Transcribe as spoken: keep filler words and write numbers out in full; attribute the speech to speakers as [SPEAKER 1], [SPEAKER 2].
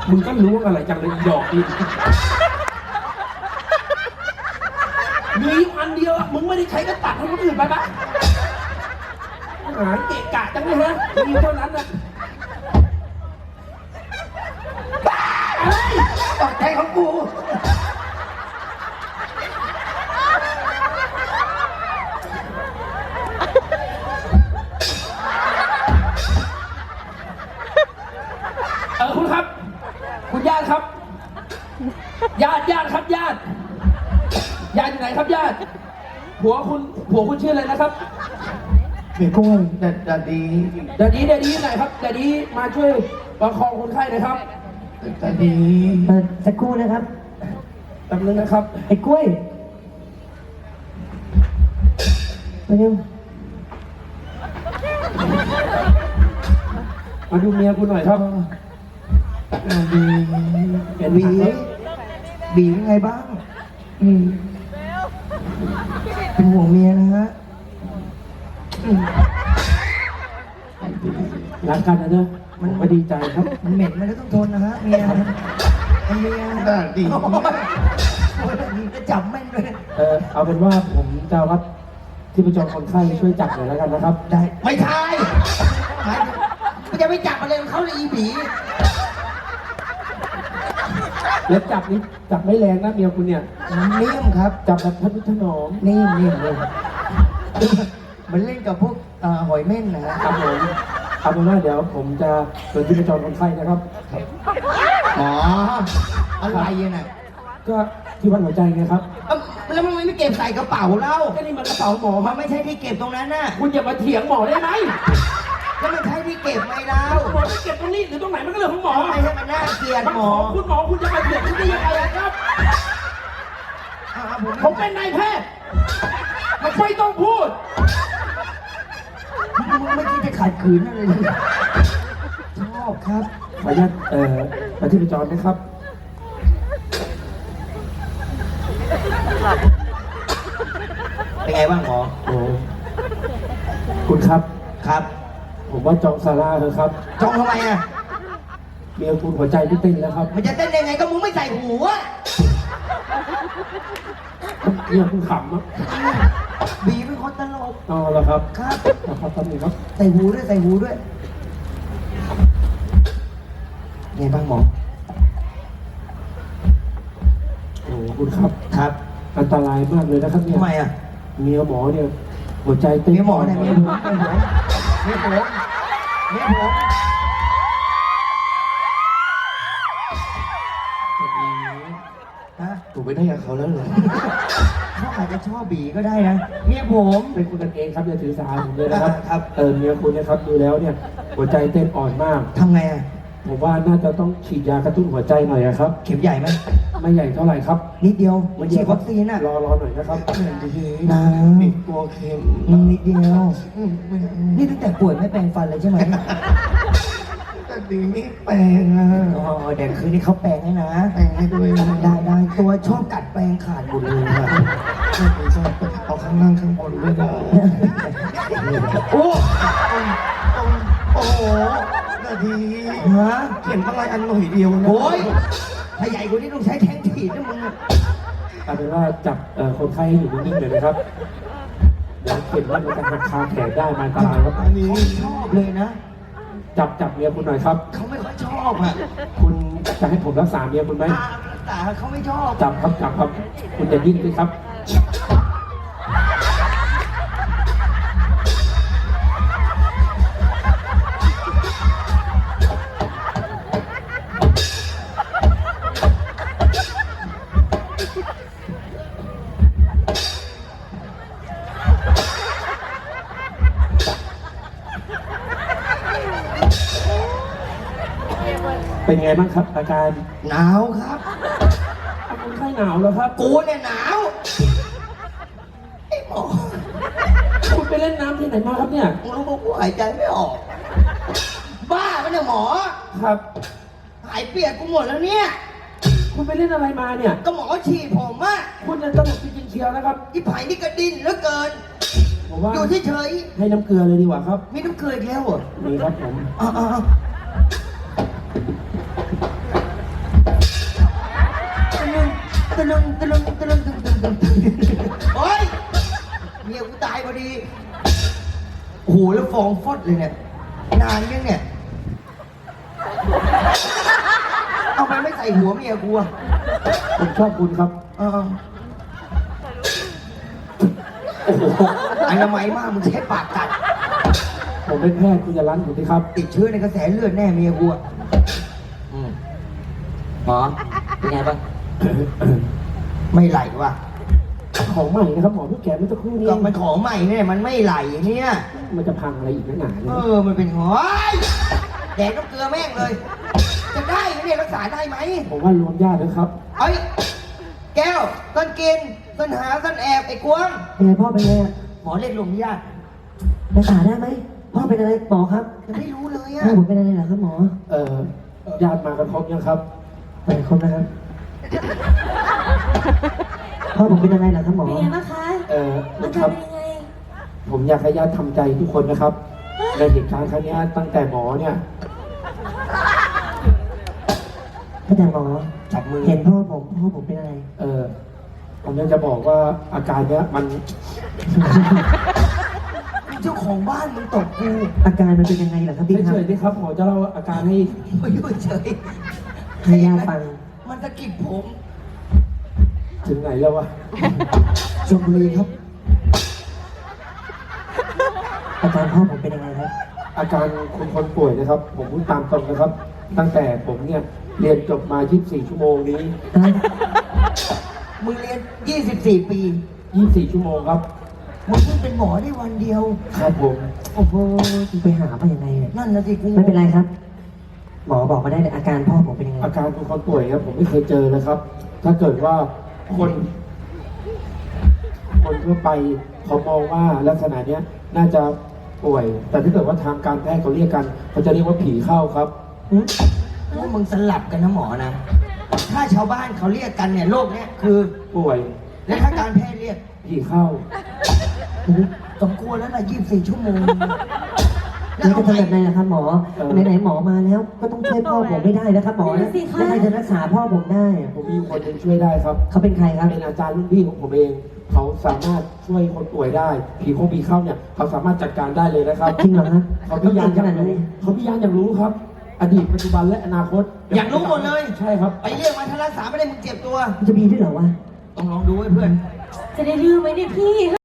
[SPEAKER 1] มึงก็รู้อะไรจังเลยหยอกดิมีอันเดียวมึงไม่ได้ใช้ก็ตัดให้คนอื่นไปปะหาเกะกะจังเลยฮะมีเท่านั้นนะ
[SPEAKER 2] ตกใจของกู
[SPEAKER 1] เออคุณครับคุณญาติครับญาติญาติครับญาติญาติอยู่ไหนครับญาติผัวคุณผัวคุณชื่ออะไรนะครับ
[SPEAKER 2] เมียกุ้งแต่แต่ดี
[SPEAKER 1] เดี๋ยวนี้เดี๋ยวนี้ไหนครับเดี๋ยวนี้มาช่วยประคองคนไข้หน่อยครับ
[SPEAKER 2] แต่ดี
[SPEAKER 3] เออสักครู่นะครับ
[SPEAKER 1] แป๊บนึงนะครับ
[SPEAKER 3] ไอ้กล้วยมาเร็ว
[SPEAKER 1] มาดูเมียคุณหน่อยครับ
[SPEAKER 2] บี
[SPEAKER 1] เห็น
[SPEAKER 2] บี
[SPEAKER 1] บี
[SPEAKER 2] บีเป็นไงบ้าง
[SPEAKER 3] อืม
[SPEAKER 2] เป็นห่วงเมียนะฮะ
[SPEAKER 1] รักกันนะเนอะมันก็ดีใจครับ
[SPEAKER 2] มันเหม็นมันก็ต้องทนนะฮะเมียเมียได้ดีจะจับแม่นด้วย
[SPEAKER 1] เออเอาเป็นว่าผมจะรับที่ประจองคนไข้ช่วยจับหน่อยแล้วกันนะครับ
[SPEAKER 2] ได้ไม่ใช่มันจะไม่จับอะไรเขาเลยอีบี
[SPEAKER 1] แล้วจับนี้จับไม่แรงนะเมียคุณเนี่ย
[SPEAKER 2] นิ่มครับ
[SPEAKER 1] จับแบบทนุถนอม
[SPEAKER 2] นิ่มนิ่มเลยมันเล่นกับพวกหอยเม่นนะครับ
[SPEAKER 1] ผมเอาเป็นว่าเดี๋ยวผมจะเปิดที่ประจองคนไข้นะครับ
[SPEAKER 2] อ๋ออะไรน่ะ
[SPEAKER 1] ก็ที่วัดหัวใจไงครับ
[SPEAKER 2] แล้วมันไม่เก็บใส่กระเป๋าเล่า
[SPEAKER 1] ก็นี่มันกระเป๋าหมอ
[SPEAKER 2] มันไม่ใช่ที่เก็บตรงนั้นน่ะ
[SPEAKER 1] คุณอย่ามาเถียงหมอได้ไหม
[SPEAKER 2] แล้วมันใช่ที่เก็บไหมเล่า
[SPEAKER 1] หมอจะเก็บตรงนี้หรือตรงไหนมันก็เรื่องของหมอ
[SPEAKER 2] ไม่ใช่มันน่าเกลียดหมอ
[SPEAKER 1] คุณหมอคุณจะมาเถียงที่ได้ยังไงครับผมเป็นนายแพทย์มันไม่ต้องพูด
[SPEAKER 2] มึงไม่คิดจะขัดขืนอะไรเลยชอบครับ
[SPEAKER 1] ขออนุญาตเอ่อมาที่ประจอนนะครับ
[SPEAKER 2] เป็นไงบ้างหมอ
[SPEAKER 1] โอ้คุณครับ
[SPEAKER 2] ครับ
[SPEAKER 1] ผมว่าจองซาร่าเถอะครับ
[SPEAKER 2] จองทำไมอ่ะ
[SPEAKER 1] เมียคุณหัวใจไม่เต้นแล้วครับ
[SPEAKER 2] มันจะเต้นยังไงก็มึงไม่ใส่หูอ่ะ
[SPEAKER 1] เมียคุณขำอ่ะ
[SPEAKER 2] บีเป็นคนตลก
[SPEAKER 1] อ๋อเหรอครับ
[SPEAKER 2] ครับ
[SPEAKER 1] ครับครับนี่ครับ
[SPEAKER 2] ใส่หูด้วยใส่หูด้วยไงบ้างหมอ
[SPEAKER 1] โอ้คุณครับ
[SPEAKER 2] ครับ
[SPEAKER 1] อันตรายมากเลยนะครับเนี่ย
[SPEAKER 2] ทำไมอ่ะ
[SPEAKER 1] เมียหมอเนี่ยหัวใจเต้น
[SPEAKER 2] เมียหมอเนี่ยเมียผมเมียผมเมียผมเมียผมฮะ
[SPEAKER 1] ถูกไปได้กับเขาแล้วเหรอ
[SPEAKER 2] เขาอาจจะชอบบีก็ได้นะเมียผม
[SPEAKER 1] เป็นคุณกันเองครับอย่าถือสาผมเลยนะครับครับเออเมียคุณนะครับดูแล้วเนี่ยหัวใจเต้นอ่อนมาก
[SPEAKER 2] ทำไงอ่ะ
[SPEAKER 1] ผมว่าน่าจะต้องฉีดยากระตุ้นหัวใจหน่อยครับ
[SPEAKER 2] เข็มใหญ่ไหม
[SPEAKER 1] ไม่ใหญ่เท่าไหร่ครับ
[SPEAKER 2] นิดเดียวมันฉีดวัคซีนอ่ะ
[SPEAKER 1] รอรอหน่อยนะครับ
[SPEAKER 2] น้ำ
[SPEAKER 1] กลัวเข็ม
[SPEAKER 2] นิดเดียวนี่ตั้งแต่ป่วยไม่แปรงฟันเลยใช่ไหม
[SPEAKER 1] แต่ดีไม่แปลงอ่ะ
[SPEAKER 2] อ๋อเดี๋ยวคืนนี้เขาแปลงให้นะ
[SPEAKER 1] แปลงให้ด้วย
[SPEAKER 2] ได้ได้ตัวชอบกัดแปลงขาดหมดเลยค่ะ
[SPEAKER 1] ไม่ชอบเอาข้างล่างข้างบนด้วยนะ
[SPEAKER 2] โอ้
[SPEAKER 1] โอ้โหนาที
[SPEAKER 2] ฮะ
[SPEAKER 1] เข็มอะไรอันหน่อยเดียวนะ
[SPEAKER 2] โอ้ยถ้าใหญ่กว่านี้ต้องใช้แทงถีบนะมึง
[SPEAKER 1] เอาเป็นว่าจับคนไข้ให้อยู่นิ่งๆเลยนะครับเดี๋ยวเข็มว่ามันจะหักคาแขนได้มันอันตรายครับ
[SPEAKER 2] อันนี้ชอบเลยนะ
[SPEAKER 1] จับจับเมียคุณหน่อยครับ
[SPEAKER 2] เขาไม่ค่อยชอบอ่ะ
[SPEAKER 1] คุณจะให้ผมรักษาเมียคุณไหม
[SPEAKER 2] รักษาเขาไม่ชอบ
[SPEAKER 1] จับครับจับครับคุณจะดิ้นไหมครับเป็นไงบ้างครับอาการ
[SPEAKER 2] หนาวครับ
[SPEAKER 1] คนไข้หนาวแล้วครับ
[SPEAKER 2] กูเนี่ยหนาวไอ้หมอ
[SPEAKER 1] คุณไปเล่นน้ำที่ไหนมาครับเนี่ย
[SPEAKER 2] มึงรู้ว่ากูหายใจไม่ออกบ้าปะเนี่ยหมอ
[SPEAKER 1] ครับ
[SPEAKER 2] หายเปียกกูหมดแล้วเนี่ย
[SPEAKER 1] คุณไปเล่นอะไรมาเนี่ย
[SPEAKER 2] ก็หมอฉีดผมอะ
[SPEAKER 1] คุณจะตลกจริงๆเชียวนะครับ
[SPEAKER 2] อีไผ่นี่กระดินเหลือเกิน
[SPEAKER 1] ผมว่า
[SPEAKER 2] อยู่เฉย
[SPEAKER 1] ๆให้น้ำเกลือเลยดีกว่าครับ
[SPEAKER 2] มีน้ำเกลืออีกแล้วเหรอ
[SPEAKER 1] มีครับผม
[SPEAKER 2] อ๋อตะลึงตะลึงตะลึงตะลึงตะลึงโอ๊ยเมียกูตายพอดีโอ้โหแล้วฟองฟอดเลยเนี่ยนานยังเนี่ยเอาไปไม่ใส่หัวเมียกูอะ
[SPEAKER 1] ผมชอบคุณครับ
[SPEAKER 2] เออโอ้โหอนามัยมากมึงใช้ปากกัด
[SPEAKER 1] ผมเป็นแพทย์คุณจะรั้นผมสิครับ
[SPEAKER 2] ติดเชื้อในกระแสเลือดแน่เมียกูอะอืมหมอเป็นไงบ้าง ไม่ไหลว่ะ
[SPEAKER 1] ของใหม่นะครับหมอพี่แกไม่ต้องคู่นี้
[SPEAKER 2] ก็มันของใหม่เนี่ยมันไม่ไหลเนี่ย
[SPEAKER 1] มันจะพังอะไรอีกนักหนาเนี่
[SPEAKER 2] เอย อมันเป็นหอยแดกน้ำเกลือแม่งเลย จะได้ไหมเนี่ยรักษาได้ไหม
[SPEAKER 1] ผมว่ารวมญาตินะครับ
[SPEAKER 2] เอ้ยแก้วต้นกินต้นหาต้นแอบไอ้กวง
[SPEAKER 3] เป็นไงพ่อเป็นไงอะ
[SPEAKER 2] หมอเรียกลมญาติ
[SPEAKER 3] รักษาได้ไหมพ่อเป็นอะไรหมอครับ
[SPEAKER 2] ยังไม่รู้เลยอะ
[SPEAKER 3] พ่อผมเป็นอะไรเหรอครับหมอ
[SPEAKER 1] เอ่อญาติมากันครบยังครับ
[SPEAKER 3] ไปครบนะครับพ่อผมเป็นอะไรเหรอครับหมอ
[SPEAKER 4] เป็นไงบ้างคะ
[SPEAKER 1] เอ่อ
[SPEAKER 4] อา
[SPEAKER 1] ค
[SPEAKER 4] การ
[SPEAKER 1] รับ
[SPEAKER 4] เป็นยังไง
[SPEAKER 1] ผมอยากให้ญาติทำใจทุกคนนะครับ ในเหตุการณ์ครั้งนี้ตั้งแต่หมอเนี่ย
[SPEAKER 3] ตั้งแต่หมอ
[SPEAKER 2] จับมือ
[SPEAKER 3] เห็นพ่อผมพ่อผมเป็นอะไร
[SPEAKER 1] เอ่อผมอยากจะบอกว่าอาการเนี้ยมัน
[SPEAKER 2] เจ้าของบ้านมึงตกกู
[SPEAKER 3] อาการมันเป็นยังไงเหรอครับพี่ค
[SPEAKER 1] เฉ
[SPEAKER 3] รับ
[SPEAKER 1] ยๆดิครับหมอจะเล่าอาการให้
[SPEAKER 2] ไม่อยู่เฉย
[SPEAKER 3] ให้ญาติฟัง
[SPEAKER 2] มันสะกิดผม
[SPEAKER 1] ถึงไหนแล้ววะ
[SPEAKER 2] ชลบุรีครับ
[SPEAKER 3] อาการพ่อผมเป็นยังไงครับ
[SPEAKER 1] อาการคนคนป่วยนะครับ ผมพูดตามตรงนะครับ ตั้งแต่ผมเนี่ยเรียนจบมา ยี่สิบสี่ ชั่วโมงนี้
[SPEAKER 2] มึงเรียนยี่สิบสี่ปี
[SPEAKER 1] ยี่สิบสี่ ชั่วโมงครับ
[SPEAKER 2] มึงเพิ่งเป็นหมอได้วันเดียว
[SPEAKER 1] ครับผม
[SPEAKER 3] โอ้โหไปหาไปยังไงเนี่ย
[SPEAKER 2] นั่นนะสิกู
[SPEAKER 3] ไม่เป็นไรครับ หมอบอกมาได้เลยอาการพ่อผมเป็นยังไง
[SPEAKER 1] อาการคนคนป่วยครับผมไม่เคยเจอเลยครับ ถ้าเกิดว่าคน คนทั่วไปเขามองว่าลักษณะเนี้ยน่าจะป่วย แต่ถ้าเกิดว่าทางการแพทย์เขาเรียกกันเขาจะเรียกว่าผีเข้าครับ
[SPEAKER 2] พวกมึงสลับกันนะหมอนะ ถ้าชาวบ้านเขาเรียกกันเนี่ยโรคเนี้ยคือ
[SPEAKER 1] ป่วย
[SPEAKER 2] และถ้าการแพทย์เรียก
[SPEAKER 1] ผีเข้า
[SPEAKER 2] สมควรแล้วนะยี่สิบสี่ชั่วโมง
[SPEAKER 3] แล้วจะทำแบบไหนล่ะครับหมอ
[SPEAKER 1] เออ
[SPEAKER 3] ไหนๆหมอมาแล้ว ก็ต้องช่วยพ่อผมไม่ได้นะครับหมอ
[SPEAKER 4] นั่
[SPEAKER 3] นะ
[SPEAKER 4] นสิคะ
[SPEAKER 3] แล้วใครจะรักษาพ่อผมได้อะ
[SPEAKER 1] ผมมีคนหนึงช่วยได้ครับ
[SPEAKER 3] เขาเป็นใครครับ
[SPEAKER 1] เป็นอาจารย์รุ่นพี่ของผมเอง เขาสามารถช่วยคนป่วยได้ ผีคงผีเข้าเนี่ยเขาสามารถจัดการได้เลยนะครับ
[SPEAKER 3] จริงเหรอครับ
[SPEAKER 1] เขาพิยาน
[SPEAKER 3] ข
[SPEAKER 1] อยาก
[SPEAKER 3] นาด
[SPEAKER 1] รู้
[SPEAKER 3] นี้
[SPEAKER 1] เขาพิยานอยากรู้ครับ อดีตปัจจุบันและอนาคต
[SPEAKER 2] อยากรู้หมดเลย
[SPEAKER 1] ใช่ครับ
[SPEAKER 2] ไปเรียกมาถ้ารักษาไม่ได้มึงเจ็บตัว
[SPEAKER 3] มันจะมีด้วยเหรอวะ
[SPEAKER 2] ต้องลองดูไว้เพื่อน
[SPEAKER 4] จะได้ดื้อไหมเนี่ยพี่